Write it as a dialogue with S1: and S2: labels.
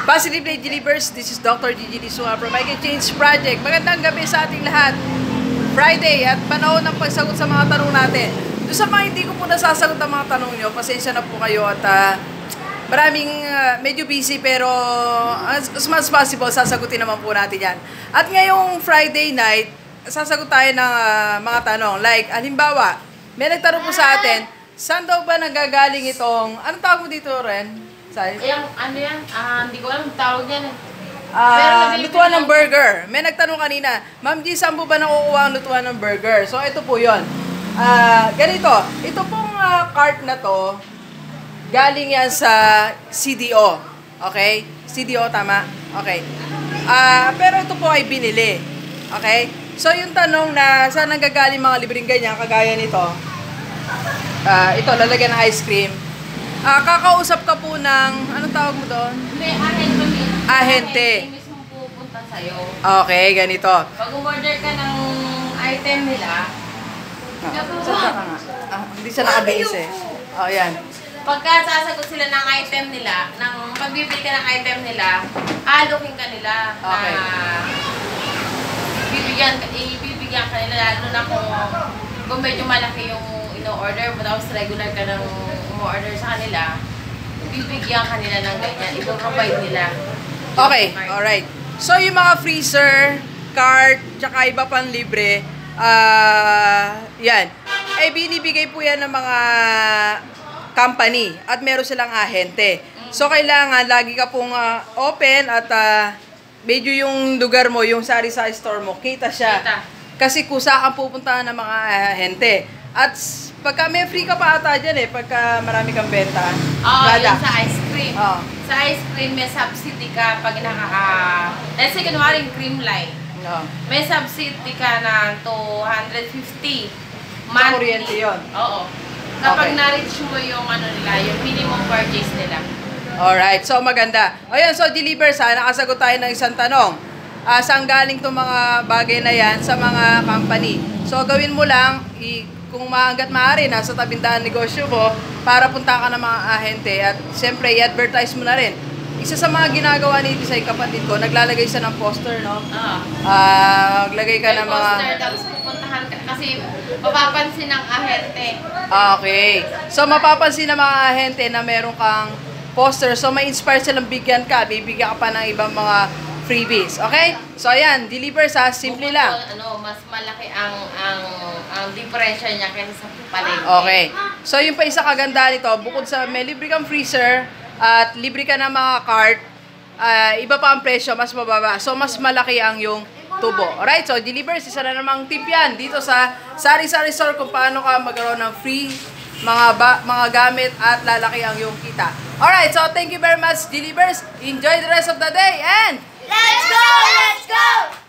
S1: Positively Delivers, this is Dr. Gigi Lisua from I Can Change Project. Magandang gabi sa ating lahat. Friday at panahon ng pagsagot sa mga tanong natin. Doon sa mga hindi ko po nasasagot ang mga tanong nyo, pasensya na po kayo at maraming medyo busy pero as much as possible, sasagutin naman po natin yan. At ngayong Friday night, sasagot tayo ng mga tanong. Like, halimbawa, may nagtanong po sa atin, saan daw ba nanggagaling itong, anong tawag mo dito, Ren?
S2: Ano yan? Hindi ko alam tawag yan.
S1: Lutuan ng burger. May nagtanong kanina, Ma'am G, saan po ba nakukuha ang lutuan ng burger? So, ito po yun. Ganito, ito pong cart na to, galing yan sa CDO. Okay? CDO, tama? Okay. Pero ito po ay binili. Okay? So, yung tanong na saan nanggagaling mga libreng ganyan, kagaya nito, ito, lalagyan ng ice cream. Kakausap ka po ng, anong tawag mo doon?
S2: May ahente.
S1: Ahente.
S2: Mismo pupunta sa'yo.
S1: Okay, ganito.
S2: Pag umorder ka ng item nila,
S1: hindi siya nakabihis eh. Oh, yan.
S2: pagka sasagot sila ng item nila, pagbibili ka ng item nila, alokin ka nila.
S1: Okay.
S2: Ibibigyan ka nila, lalo na kung medyo malaki yung ino-order mo, tapos regular ka ng umu-order sa kanila, bibigyan ka nila ng ganyan, ipoprovide nila.
S1: Okay, alright. So, yung mga freezer, cart, tsaka iba pang libre, yan. Eh, binibigay po yan ng mga company at meron silang ahente. So, kailangan lagi ka pong open at medyo yung lugar mo, yung sari-sari store mo, kita siya. Kasi kusa kang pupuntahan ng mga ahente. At pagka may free ka pa ata dyan pagka marami kang benta.
S2: Yung sa ice cream. Sa ice cream, may subsidy ka pag let's say, kunwari yung cream line. May subsidy ka na 250 monthly.
S1: Sa kuryente yun?
S2: Oo. Kapag na-reach mo yung nila, yung minimum purchase nila.
S1: Alright, so maganda. Ayan, so deliver nakasagot tayo ng isang tanong. Saan galing itong mga bagay na yan sa mga company? So gawin mo lang, kung hanggat maaari, nasa tabindahan negosyo mo, para punta ka ng mga ahente at siyempre, i-advertise mo na rin. Isa sa mga ginagawa ni Tisay, kapatid ko, naglalagay siya ng poster, no? Maglagay ka ng mga...
S2: poster, tapos pupuntahan ka, kasi mapapansin ng ahente.
S1: Okay. So, mapapansin ng mga ahente na meron kang poster. So, may inspire silang bigyan ka. Bibigyan ka pa ng ibang mga freebies. Okay? So, ayan. Deliver simple lang.
S2: Mas malaki ang diferensya niya kaysa sa palengke.
S1: Okay. So, yung pa isa kaganda nito, bukod sa may libre kang freezer at libre ka ng mga cart, iba pa ang presyo, mas mababa. So, mas malaki ang yung tubo. Alright? So, Deliver, isa na namang tip yan dito sa Sari-Sari Store kung paano ka magkaroon ng free mga gamit at lalaki ang yung kita. Alright, so thank you very much, Delivers. Enjoy the rest of the day and
S3: let's go! Let's go!